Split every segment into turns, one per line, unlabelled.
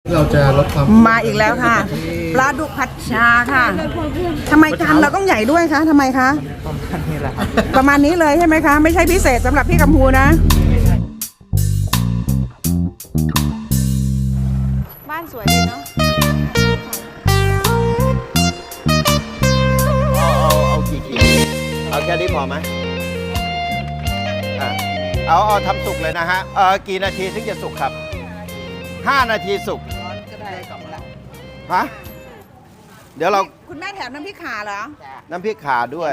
เราจะลดความ
มาอีกแล้วค่ะปลาดุกผัดชาค่ะทำไมจานเราต้องใหญ่ด้วยคะทำไมคะประมาณนี้เลยใช่ไหมคะไม่ใช่พิเศษสำหรับพี่กัมพูนะบ้านสวยดีเนาะ
เอากี่ขีดเอาแค่นี้พอไหมเอาทำสุกเลยนะฮะกี่นาทีถึงจะสุกครับ5 นาทีสุกฮะเดี๋ยวเรา
คุณแม่แถมน้ำพริกข่าเหรอ
น้ำพริกข่าด้วย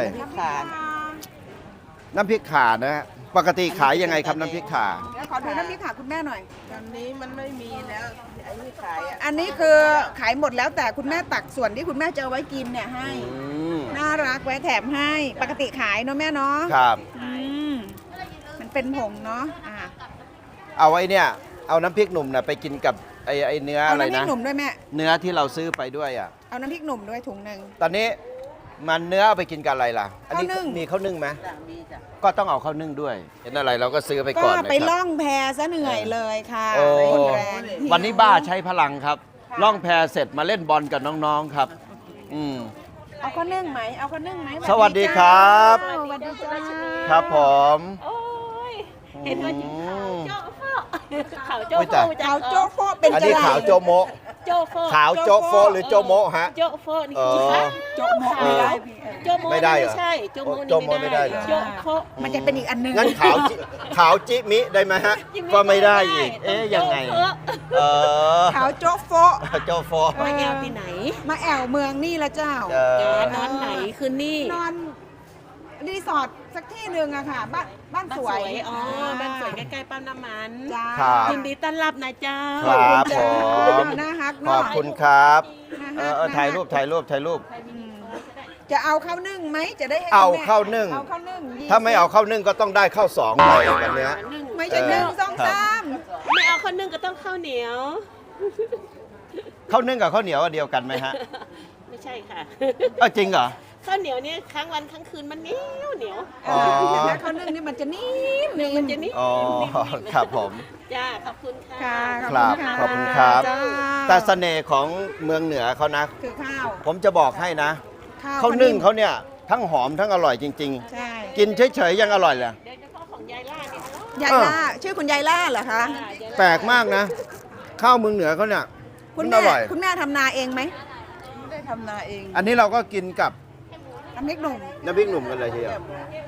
น้ำพริกข่านะฮะปกติขายยังไงครับน้ำพริกข่า
ขอดูน้ำพริกข่าคุณแม่หน่อย
ตอนนี้มันไม่มีแล้วไอ้ที่ขาย
อันนี้คือขายหมดแล้วแต่คุณแม่ตักส่วนที่คุณแม่จะเอาไว้กินเนี่ยให้น่ารักไว้แถมให้ปกติขายเนาะแม่เนาะ
ครับ
มันเป็นผงเนาะ
เอาไว้เนี่ยเอาน้ำพริกหนุ่มนะไปกินกับไอ้เนื้ออะไรนะ
เอาน้ำพริกหนุ่มด้วยแม่
เนื้อที่เราซื้อไปด้วยอ่ะ
เอาน้ำพริกหนุ่มด้วยถุงหนึ่ง
ตอนนี้มันเนื้อเอาไปกินกับอะไรล่ะอันนี้มีข้าวนึ่งไหมก็ต้องเอาข้าวนึ่งด้วยเห็นอะไรเราก็ซื้อไปก่อน
ก็ไปล่องแพซะเหนื่อยเลยค่ะ
วันนี้บ้าใช้พลังครับล่องแพเสร็จมาเล่นบอลกับน้องๆครับ
เอาข้าวนึ่งไหมเอาข้าวนึ่งไหม
สวัสดีครับ
สวัสดีจ้า
ครับผม
เห็นว่าขาวโจ๊
กขาวโจ๊กโฟเป็น
อันนี้ขาวโจโม
โจ๊กโฟ
ขาวโจ๊กโฟหรือโจโมฮะ
โจ๊กโฟนี่คือ
โจ๊กโมไม่ได้
โจ๊กโมไม่ใช่โจ๊กโมไม่ได้โจ๊กโฟ
มันจะเป็นอีกอันนึง
งั้นขาวจิมิได้ไหมฮะก็ไม่ได้อีกยังไง
ขาวโจ๊กโฟ
โจ๊กโฟ
มาแอลที่ไหน
มาแอวเมืองนี่ละเจ้
านอนไหนคืนนี่
นอนรีสอร์ทสักที่หนึ่งอะค่ะบ้านสวย
บ้านสวยใกล้ๆปั๊มน้ำมัน
ยิ
นดีต้อนรับนะเจ้า
ครับผมขอบคุณครับถ่ายรูป
จะเอาข้าวนึ่งไหมจะได้
เอาข้าวนึ่งถ้าไม่เอาข้าวนึ่งก็ต้องได้ข้าว2ไปกันเนี้ย
ไม่ใช่1 2 3
ไม่เอาข้าวนึ่งก็ต้องข้าวเหนียว
ข้าวนึ่งกับข้าวเหนียวเดียวกันไหมฮะ
ไม่ใช่ค่ะ
จริงเหรอ
ข้าวเหนียวเนี่ยค้างวันค้างคืนมันเหนียว
แต่ข้าวนึ่งนี่มันจะนิ่ม
มันจะนิ่ม
ครับผม
จ้าขอบคุณค่ะ
ครับขอบคุณครับแต่เสน่ห์ของเมืองเหนือเขานะ
คือข้าว
ผมจะบอกให้นะข้าวนึ่งเขาเนี่ยทั้งหอมทั้งอร่อยจริงๆกินเฉยๆยังอร่อยเลย
เดี๋ยวจะของยายล่าเนี่ย
ยายล่าชื่อคุณยายล่าเหรอคะ
แปลกมากนะข้าวเมืองเหนือเขาเนี่ย
คุณแม่ทำนาเองไหม
ไม่ได้ทำนาเอง
อันนี้เราก็กินกับ
น้ำพริกหนุ่
มกันเลยทีเดียว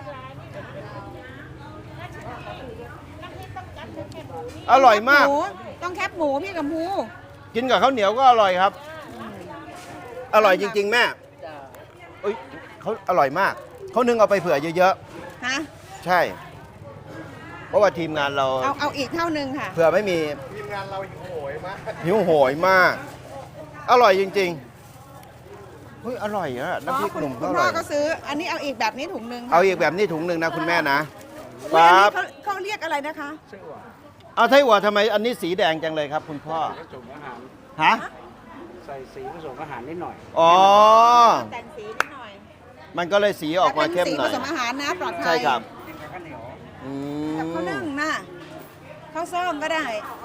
อร่อยมาก
ต้องแคบหมูพี่กัมพู
กินกับข้าวเหนียวก็อร่อยครับอร่อยจริงๆแม่เขาอร่อยมากเขานึ่งเอาไปเผื่อเยอะ
ๆฮะ
ใช่เพราะว่าทีมงานเรา
เอาอีกเท่านึงค่ะ
เผื่อไม่มีทีมงานเราหิวโหยมากอร่อยจริงๆอร่อยอะน้ำพริกหนุ่มก็อร่อย
คุณพ่อก็ซื้ออันนี้เอาอีกแบบนี้ถุงนึง
เอาอีกแบบนี้ถุงนึงนะคุณแม่นะ
ครับเขาเรียกอะไรนะคะ
เอาไทยหัวทำไมอันนี้สีแดงจังเลยครับคุณพ่อฮะ
ใส่สีผสมอาหารนิดหน่อย
แต่งสีนิดหน่อย
มันก็เลยสีออกมาเข้มหน่อย
ผสมอาหารนะปลอดภัย
ใช่ครับ
กับข้าวนึ่งนะข้าวส้มก็ได้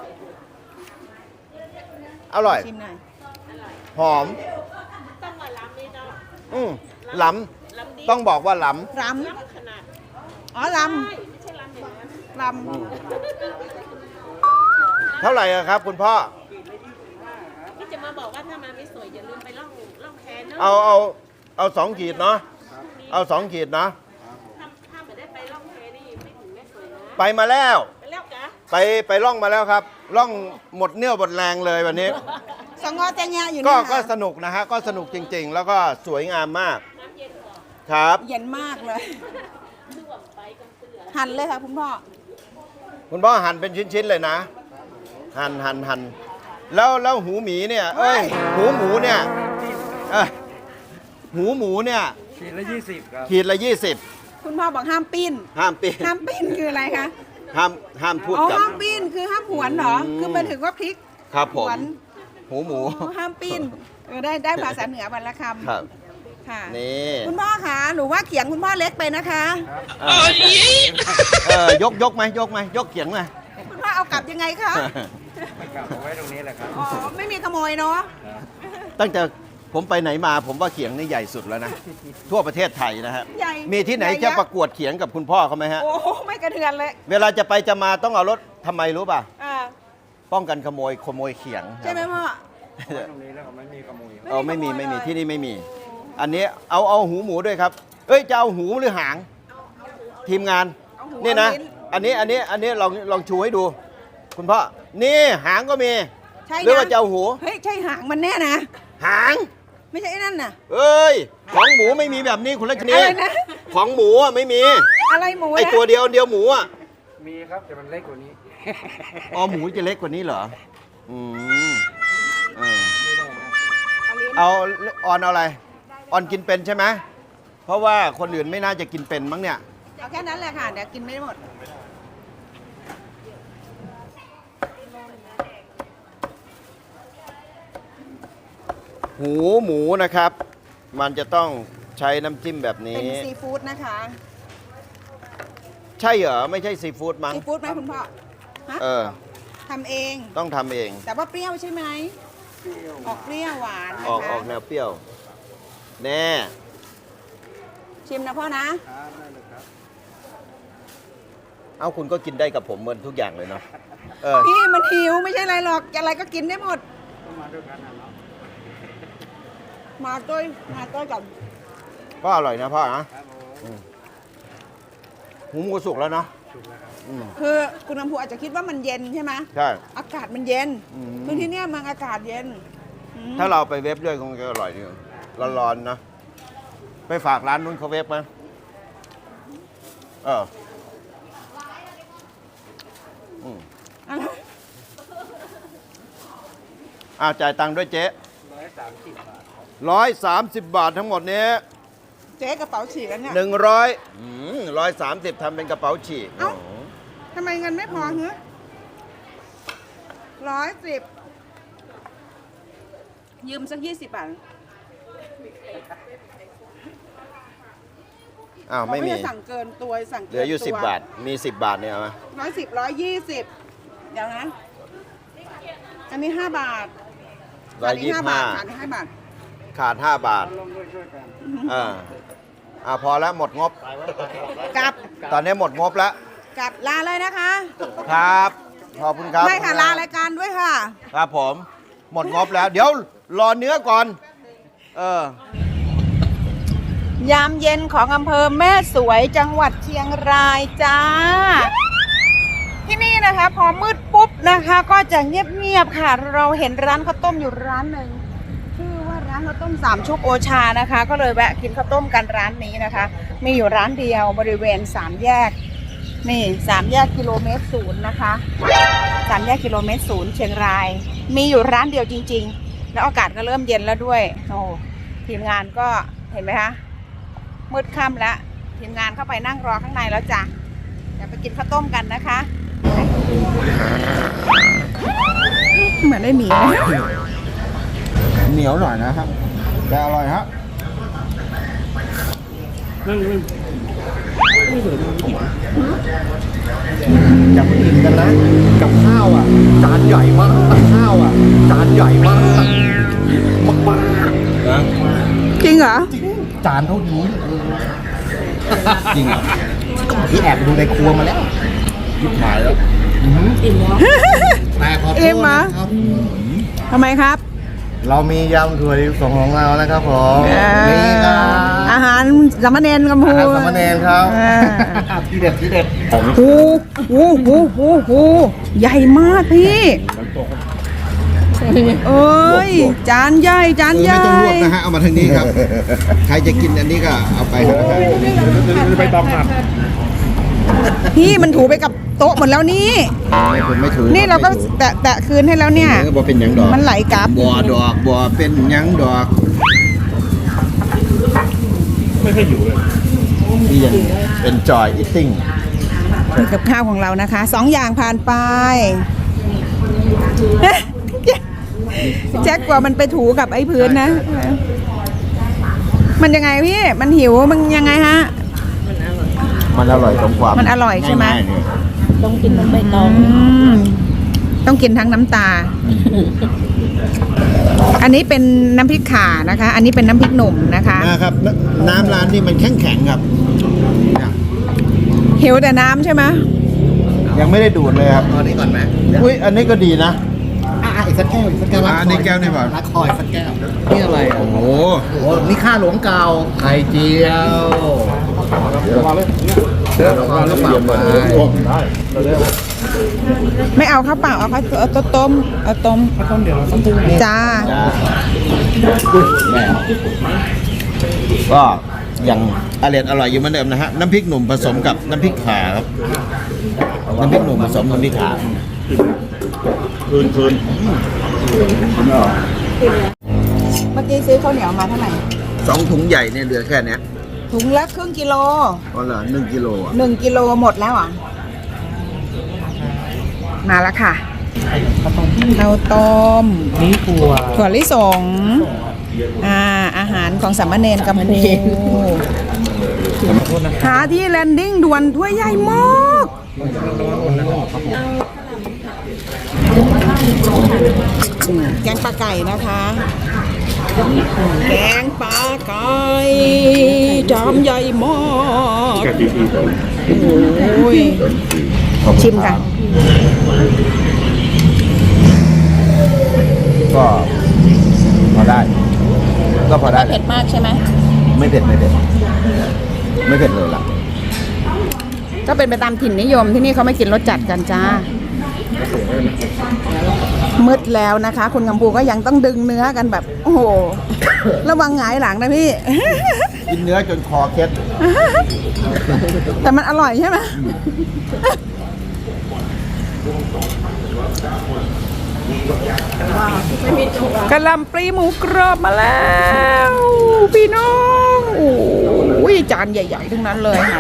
อร่อย
ชิมหน่อย
หอม
ต้องมาล้ำนี่เนาะ
ล้ำต้องบอกว่าล้
ำ
ขนาด
ล้ำ
ไม่ใช่ล้ำ
เท่าไหร่ครับคุณพ่อ
ที่จะมาบอกว่าถ้ามาไม่สวยอย่าลืมไปล่องแพเนาะ
เอา2 ขีดเนาะเอา2 ขีดนะ
ถ้าไม่ได้ไปล่องแพนี่ไม่ถึงไม่สวยนะ
ไปมาแล้ว
ไป
ล่องมาแล้วครับล่องหมดเนื้อหมดแรงเลยวันนี้
สงอแตงยาอยู่
ก็สนุกนะฮะก็สนุกจริงๆแล้วก็สวยงามมากครับ
เย็นมากเลยหั่นเลยค่ะคุณพ่อ
หั่นเป็นชิ้นๆเลยนะหั่นแล้วหูหมีเนี่ยหูหมูเนี่ยหูหมูเนี่ย
ขีดละ20ครับ
ขีดละ20
คุณพ่อบอกห้ามปิ้นคืออะไรคะ
ห้ามพูดกับ
ห้ามปิ้นคือห้ามหวนเหรอคือหมายถึงว่าพริก
ครับผมหูหมู
ห้ามปิ้นได้ภาษาเหนือวันละคำ
ครับ
ค่ะ
นี่
คุณพ่อคะหนูว่าเขียงคุณพ่อเล็กไปนะคะ
ยกไหมยกเขียงไหม
คุณพ่อเอากลับยังไงคะ
กลับเอาไว้ตรงนี้แหละครับ
อ๋อ ไม่มีขโมยเนาะ
ตั้งแต่ผมไปไหนมาผมว่าเขียงนี่ใหญ่สุดแล้วนะ ทั่วประเทศไทยนะฮะ
ใหญ่
มีที่ไหน
ใญ่
จะ
ยักษ์
ประกวดเขียงกับคุณพ่อเขาไหมฮะ
โอ้โหไม่กระเทือนเลย
เวลาจะไปจะมาต้องเอารถทำไมรู้ป่ะ
อ่า
ป้องกันขโมยเขียง
ใช่ไหมพ่อ
เอาไว้ตรงนี้แล้วก็ไม่มีขโมย
เออไม่มี
ไม่มีขโมยเลย
ที่นี่ไม่มี อันนี้เอาหูหมูด้วยครับ เอ้ยจะเอาหูหรือหาง ทีมงาน
เอาหู
นี่นะ
เอาลิ้
อันนี้ลองชูให้ดู คุณพ่อนี่หางก็มี
ใช่
หรือ
นะ
ว่าจะเอาหู
เฮ้ย ใช่หางมันแน่นะ
หาง
ไม่ใช่ไอ้นั่นน่ะ
เอ้ยของหมูไม่มีแบบนี้คุณรัชนี
อะไรนะ
ของหมูอะไม่มี
อะไรหมู
ไอ
นะ
ตัวเดียวหมูอ่ะ
มีครับแต่มันเล็กกว่านี้
อ๋อหมูจะเล็กกว่านี้เหรออืมเออ เอาออนเอาอะไร ออนกินเป็นใช่ไหมเพราะว่าคนอื่นไม่น่าจะกินเป็นมั้งเนี่ย
เอาแค่นั้นแหละค่ะ เดี๋ยวกินไม่หมด
หูหมูนะครับ มันจะต้องใช้น้ำจิ้มแบบ
เป็
นี้
นซีฟู้ดนะคะ
ใช่เหรอ ไม่ใช่ซีฟู้ดมั้ง
ซีฟู้ดไหมคุณพ่อ ฮะ
เออ
ทำเอง
ต้องทำเอง
แต่ว่าเปรี้ยวใช่ไหม ออกเปรี้ยวหวานนะ
ออก
คะ
แนวเปรี้ยว แน่
ชิมนะพ่อนะ
ครับได้เลยครับ
เอาคุณก็กินได้กับผมเหมือนทุกอย่างเลยเนาะเออ
พี่มันหิวไม่ใช่อะไรหรอก อะไรก็กินได้หมด
ต้องมาด้วยกันนะเนาะ
มาด้วยกับ
ก็อร่อยนะพ่อนะ
ครับผม
หูหมูสุกแล้วเนาะ
ถูกแล้วครับ
อืม
คือคุณลำพูอาจจะคิดว่ามันเย็นใช่ไหม
ใช่
อากาศมันเย็น
อืม
คือที่เนี่ยมันอากาศเย็นอืม
ถ้าเราไปเวฟด้วยคงจะอร่อยดีร้อนๆนะ ไปฝากร้านนู้นเขาเวฟไหมเอออืม
อะไร
จ่ายตังค์ด้วยเจ๊
130 บาทครับ
130 บาททั้งหมดนี้
เจ๊กระเป๋าฉีกแล้วเนี่ย
130ทำเป็นกระเป๋าฉีก
เอ้า ทำไมเงินไม่พอเหรอ110 ยืมสัก20 บาท
อ้าวไม่มี
เราด้สั่งเกินตัวสั่ง
เหลืออยู่
กิน
10 บาท มี 10 บาทเนี่ยเอาไหม
110 120 เดี๋ยวนะ อันนี้5 บาทขาดอีก5 บาทขาดอีก5 บาท
ขาด 5 บาท
ร่วมด้วยช่วยกัน
พอแล้วหมดงบ
กลับ
ตอนนี้หมดงบแล้ว
กลับลาเลยนะคะ
ครับ ขอบคุณครับ
ไม่ค่ะลารายการด้วยค่ะ
ครับผม หมดงบแล้ว เดี๋ยวรอเนื้อก่อน
ยามเย็นของอำเภอแม่สวยจังหวัดเชียงรายจ้า ที่นี่นะคะพอมืดปุ๊บนะคะ ก็จะเงียบๆค่ะ เราเห็นร้านข้าวต้มอยู่ร้านหนึ่งชื่อว่าร้านข้าวต้ม3 ชุกโอชานะคะ ก็เลยแวะกินข้าวต้มกันร้านนี้นะคะ มีอยู่ร้านเดียวบริเวณ3 แยก นี่3 แยกกิโลเมตรศูนย์นะคะ3 แยกกิโลเมตรศูนย์เชียงราย มีอยู่ร้านเดียวจริง ๆ แล้วอากาศก็เริ่มเย็นแล้วด้วยโอ้ทีมงานก็เห็นไหมคะมืดค่ำแล้วทีมงานเข้าไปนั่งรอข้างในแล้วจ้ะเดี๋ยวไปกินข้าวต้มกันนะคะเหมือนได้หมี
เหนียวหน่อยนะครับ แต่อร่อยฮะ
จะมากินกันนะกับข้าวอ่ะจานใหญ่มากข้าวอ่ะจานใหญ่มากมากๆนะ
จริงเหรอ
จานเท่านี้จริงเหรอก็ที่แอบไปดูในครัวมาแล้วยิบหายแล้วอิ่มแล้วแต่ขอโท
อิ่
ษ
มเหรอ
นะครับ
ทำไมครับ
เรามียำถั่วลิสงของเรานะครับผมนี่ครับ
อาหารสามเณรกัมพู
อาหารสามเณรครับ ที่เด็ดที่เด็ดของ
โหใหญ่มากพี่เอ้ยจานใหญ่จานให
ไม่
ญ่
ต้องลวกนะฮะ เอามาทางนี้ครับ ใครจะกินอันนี้ก็เอาไปนะครับ
ไปต้องครับ
พี่มันถูไปกับโต๊ะหมดแล้วนี่
ไม่ถือ
นี่เราก็แตะคืนให้แล้วเนี่ย
บ่เป็นหยังดอก
มันไหลกลับ
บ่ดอกบ่เป็นหยังดอก
ไม่เคยอยู่เลย
นี่ยัง enjoy eating
นี่กับข้าวของเรานะคะ2 อย่างผ่านไปแจ็คกว่ามันไปถูกับไอ้พื้นนะ มันยังไงพี่ มันหิวมันยังไงฮะ
มันอร่อยตรงความ
มันอร่อยใช่ไหม
ง่ายๆเนี่ย
ต้องกินน้ำใบตอง
อืมต้องกินทั้งน้ำตา อันนี้เป็นน้ำพริกข่านะคะ อันนี้เป็นน้ำพริกหนุ่มนะคะ
นะครับน้ำร้านนี่มันแข็งๆครับเนี่ย
หิวแต่น้ำใช่ไหม
ยังไม่ได้ดูดเลยครับ
เอาอันนี้ก่อนไหม
อุ้ยอันนี้ก็ดีนะ
อีกสักแก้วอีกสักแก้ว
อันนี้แก้วนี่เปล่า
รักคอยสักแก้วนี่อะไรอ่ะ
โอ้โห
โอ้โหนี่ข้าหลวงเก่าไข่เจียวมาเลยมาแล้วเปล่าไป
ไม่เอาข้าวเปล่าเอาข้าวเอาต้มเอาต้มจ้า
ก็ยังอร่อยอยู่เหมือนเดิมนะฮะน้ำพริกหนุ่มผสมกับน้ำพริกข่าครับน้ำพริกหนุ่มผสมน้ำพริกข่าคืน
เมื่อกี้ซื้อข้าวเหนียวมาเท่าไหร่
2 ถุงใหญ่เนี่ยเหลือแค่เนี้ย
ถุงละครึ่งกิโล
อ๋อเหรอ1 กิโลอ่ะ
1 กิโลหมดแล้วอ่ะ มาแล้วค่ะข้าวต้มนี่ถั่วลิสงอาหารของสามเณรกัมพูหาที่แลนดิ้งด่วนถ้วยใหญ่มากแกงปลาไก่นะคะ แกงปลาไก่จามใหญ่มากโอ้ยชิมค่ะ
ก็พอได้ ก็พอได้
เผ็ดมากใช่ไหม
ไม่เผ็ดไม่เผ็ดเลยล่ะ
ก็เป็นไปตามถิ่นนิยมที่นี่เขาไม่กินรสจัดกันจ้า มืดแล้วนะคะ คุณกัมพูก็ยังต้องดึงเนื้อกันแบบ โอ้โห ระวังหงายหลังนะพี่
กินเนื้อจนคอเคล็ด
แต่มันอร่อยใช่ไหมกะหล่ำปลีหมูกรอบมาแล้ว พี่น้องโอ้ยจานใหญ่ๆทั้งนั้นเลยค่ะ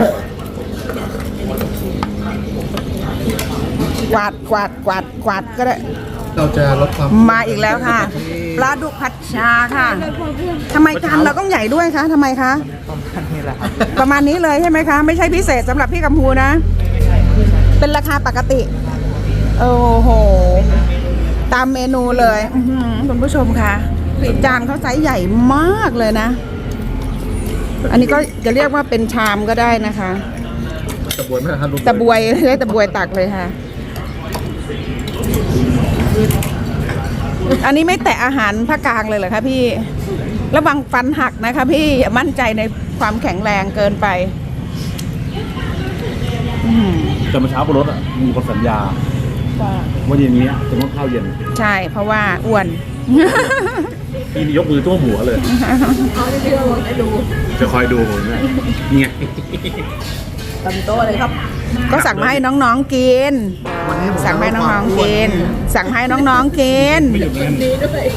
กวาดก็ได้
เราจะลดความ
มาอีกแล้วค่ะปลาดุกผัดชาค่ะทำไมจานเราต้องใหญ่ด้วยคะทำไมคะประมาณนี้เลยใช่ไหมคะ ไม่ใช่พิเศษสำหรับพี่กัมพูนะ เป็นราคาปกติ โอ้โห ตามเมนูเลยอื้อหือคุณผู้ชมค่ะจานเขาไซส์ใหญ่มากเลยนะ อันนี้ก็จะเรียกว่าเป็นชามก็ได้นะคะ
ตะบวยไหมครับลูก
ตะบวยได้ตะบวยตักเลยค่ะ อันนี้ไม่แตะอาหารภาคกลางเลยเหรอคะพี่ระวังฟันหักนะคะพี่อย่ามั่นใจในความแข็งแรงเกินไป
แต่เมื่อเช้าบนรถอ่ะมีคนสัญญาว่าเย็นนี้จะต้องข้าวเย็น
ใช่เพราะว่าอ้วน
พี่นี่ยกมือตัวหมูเลยจะคอยดูผมเนี่ยนี่ไง
ก็สั่งมาให้น้องๆกิน สั่งมาให้น้องๆกิน สั่งมาให้น้องๆกิน